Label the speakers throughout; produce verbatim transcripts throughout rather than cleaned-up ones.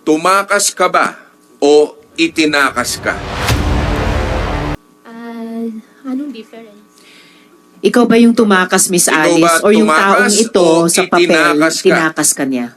Speaker 1: tumakas ka ba o itinakas ka?
Speaker 2: Ah, anong difference?
Speaker 3: Ikaw ba yung tumakas, Miss
Speaker 1: Ikaw
Speaker 3: Alice?
Speaker 1: ba
Speaker 3: O yung
Speaker 1: tumakas
Speaker 3: taong ito
Speaker 1: o
Speaker 3: sa papel,
Speaker 1: itinakas ka?
Speaker 3: tinakas ka niya?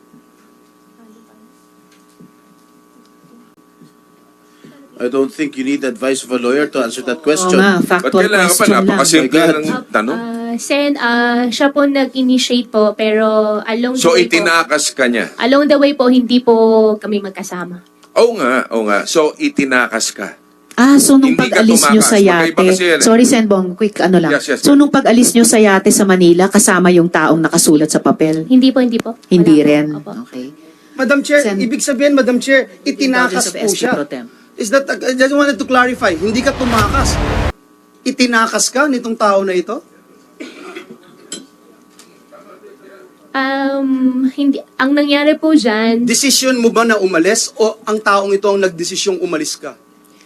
Speaker 4: I don't think you need advice of a lawyer to answer that
Speaker 3: Oo
Speaker 4: question.
Speaker 3: nga,
Speaker 1: Ba't
Speaker 3: factual
Speaker 1: kailangan pa?
Speaker 3: question lang.
Speaker 1: Napakasimple
Speaker 4: Oh my
Speaker 1: ng
Speaker 4: God.
Speaker 1: tanong.
Speaker 2: Ah, Sen, ah, siya po nag-initiate po, pero along the
Speaker 1: So,
Speaker 2: way po,
Speaker 1: itinakas ka niya.
Speaker 2: along the way po, hindi po kami magkasama.
Speaker 1: Oo nga, oo nga. So, itinakas ka.
Speaker 3: Ah, so nung
Speaker 1: Hindi ka
Speaker 3: pag-alis nyo
Speaker 1: tumakas.
Speaker 3: sa
Speaker 1: Magkaiba
Speaker 3: yate,
Speaker 1: kasi yan eh.
Speaker 3: sorry Senbong, quick ano lang.
Speaker 1: Yes, yes,
Speaker 3: so
Speaker 1: ma'am.
Speaker 3: nung pag-alis nyo sa yate sa Manila, kasama yung taong nakasulat sa papel?
Speaker 2: Hindi po, hindi po. Wala
Speaker 3: Hindi
Speaker 2: po.
Speaker 3: rin?
Speaker 2: Opo.
Speaker 3: Okay.
Speaker 5: Madam Chair,
Speaker 3: Sen-
Speaker 5: ibig sabihin, Madam Chair, itinakas
Speaker 3: Indulgence of
Speaker 5: po
Speaker 3: S P
Speaker 5: siya.
Speaker 3: Pro Tem.
Speaker 5: Is that, I just wanted to clarify, hindi ka tumakas. Itinakas ka nitong tao na ito?
Speaker 2: Um, hindi, ang nangyari po dyan,
Speaker 5: Decision mo ba na umalis o ang taong ito ang nagdesisyong umalis ka?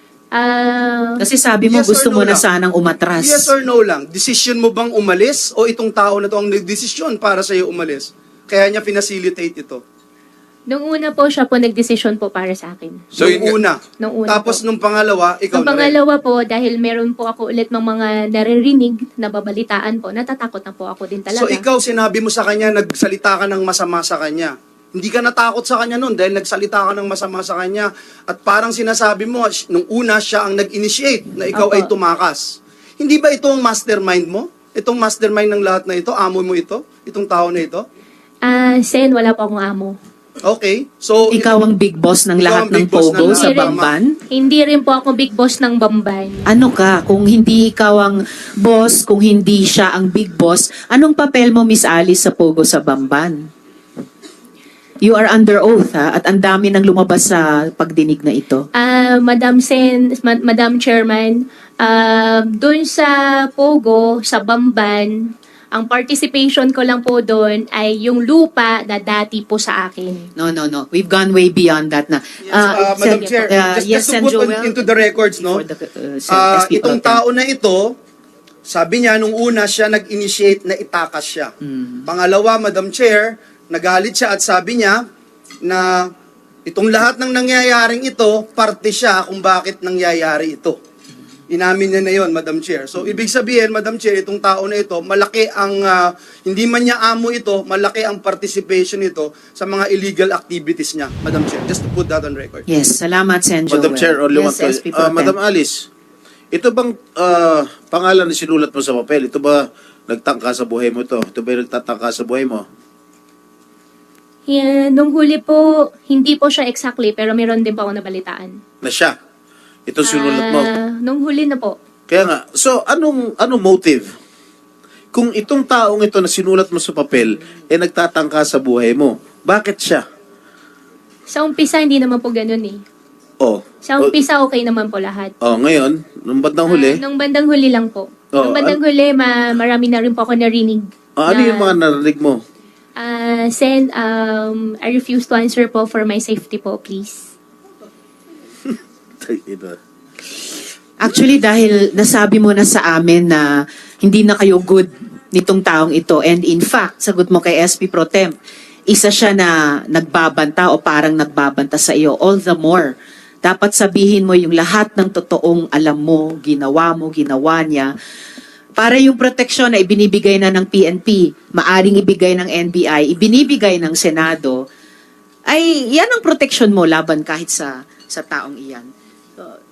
Speaker 2: ah,
Speaker 3: Kasi sabi mo
Speaker 5: Yes or
Speaker 3: gusto
Speaker 5: no
Speaker 3: mo na
Speaker 5: lang?
Speaker 3: sanang umatras.
Speaker 5: Yes or no lang? Decision mo bang umalis o itong tao na ito ang nagdesisyon para sa iyo umalis? Kaya niya pinacilitate ito.
Speaker 2: nung una po siya po nagdesisyon po para sa akin.
Speaker 1: So,
Speaker 5: nung
Speaker 1: yun nga.
Speaker 5: una.
Speaker 2: Nung una
Speaker 5: Tapos
Speaker 2: po.
Speaker 5: nung pangalawa, ikaw
Speaker 2: Ang
Speaker 5: na rin.
Speaker 2: pangalawa po, dahil meron po ako ulit ng mga naririnig, nababalitaan po, natatakot na po ako din talaga.
Speaker 5: So ikaw, sinabi mo sa kanya, nagsalita ka ng masama sa kanya. Hindi ka natakot sa kanya noon dahil nagsalita ka ng masama sa kanya. At parang sinasabi mo, sh- nung una siya ang nag-initiate na ikaw
Speaker 2: Opo.
Speaker 5: ay tumakas. Hindi ba ito ang mastermind mo? Itong mastermind ng lahat na ito? Amo mo ito? Itong tao na ito?
Speaker 2: Ah, Sen, wala po akong amo.
Speaker 5: Okay. So,
Speaker 3: Ikaw ang big boss ng
Speaker 5: Ikaw
Speaker 3: lahat
Speaker 5: ang
Speaker 3: ng
Speaker 5: big boss ng
Speaker 3: Pogo
Speaker 5: lahat.
Speaker 3: sa
Speaker 2: Hindi rin-
Speaker 3: Bamban?
Speaker 2: Hindi rin po ako big boss ng Bamban.
Speaker 3: Ano ka? Kung hindi ikaw ang boss, kung hindi siya ang big boss, anong papel mo, Miss Alice, sa Pogo sa Bamban? You are under oath, ha? At ang dami nang lumabas sa pagdinig na ito.
Speaker 2: Ah, Madam Sen, Ma- Madam Chairman, ah, doon sa Pogo, sa Bamban, ang participation ko lang po doon ay yung lupa na dati po sa akin.
Speaker 3: No, no, no. We've gone way beyond that na.
Speaker 5: Yes, uh, Madam
Speaker 3: Sen-
Speaker 5: Chair,
Speaker 3: uh,
Speaker 5: just,
Speaker 3: yes,
Speaker 5: just to
Speaker 3: Sen
Speaker 5: put on-
Speaker 3: Joel,
Speaker 5: into the records, no?
Speaker 3: for the, uh, Sen-
Speaker 5: Ah,
Speaker 3: S P Pro
Speaker 5: itong
Speaker 3: Tem.
Speaker 5: tao na ito, sabi niya, nung una siya nag-initiate na itakas siya.
Speaker 3: Hmm.
Speaker 5: Pangalawa, Madam Chair, nagalit siya at sabi niya na itong lahat ng nangyayaring ito, parte siya kung bakit nangyayari ito. Inamin niya na yon, Madam Chair. So, ibig sabihin, Madam Chair, itong tao na ito, malaki ang, ah, hindi man niya amo ito, malaki ang participation nito sa mga illegal activities niya, Madam Chair. Just to put that on record.
Speaker 3: Yes, salamat, Sen Joel.
Speaker 4: Madam Chair, only one
Speaker 3: yes, S P
Speaker 4: question.
Speaker 3: Pro
Speaker 4: Uh,
Speaker 3: Tem.
Speaker 4: Madam Alice, ito bang uh, pangalan na sinulat mo sa papel? Ito ba nagtangka sa buhay mo to? Ito ba yung nagtatangka sa buhay mo?
Speaker 2: Yeah, nung huli po, hindi po siya exactly, pero meron din po ako nabalitaan.
Speaker 4: Na siya? Ito sinulat mo?
Speaker 2: Ah, nung huli na po.
Speaker 4: Kaya nga, so anong anong motive? Kung itong taong ito na sinulat mo sa papel, eh nagtatangka sa buhay mo, bakit siya?
Speaker 2: Sa umpisa, hindi naman po ganun eh.
Speaker 4: Oh.
Speaker 2: Sa
Speaker 4: oh,
Speaker 2: umpisa, okay naman po lahat.
Speaker 4: oh, ngayon, nung bandang
Speaker 2: Ah,
Speaker 4: huli,
Speaker 2: nung bandang huli lang po.
Speaker 4: Oh,
Speaker 2: nung bandang huli, ma marami na rin po ako narinig.
Speaker 4: ah, ano
Speaker 2: na,
Speaker 4: yung mga narinig mo?
Speaker 2: Ah, Sen, um, I refuse to answer po for my safety po, please.
Speaker 3: Actually, dahil nasabi mo na sa amin na hindi na kayo good nitong taong ito. And in fact, sagot mo kay S P Pro Tem, isa siya na nagbabanta o parang nagbabanta sa iyo. All the more, dapat sabihin mo yung lahat ng totoong alam mo, ginawa mo, ginawa niya. Para yung proteksyon na ibinibigay na ng P N P, maaring ibigay ng N B I, ibinibigay ng Senado, ay yan ang proteksyon mo laban kahit sa sa taong iyan. So,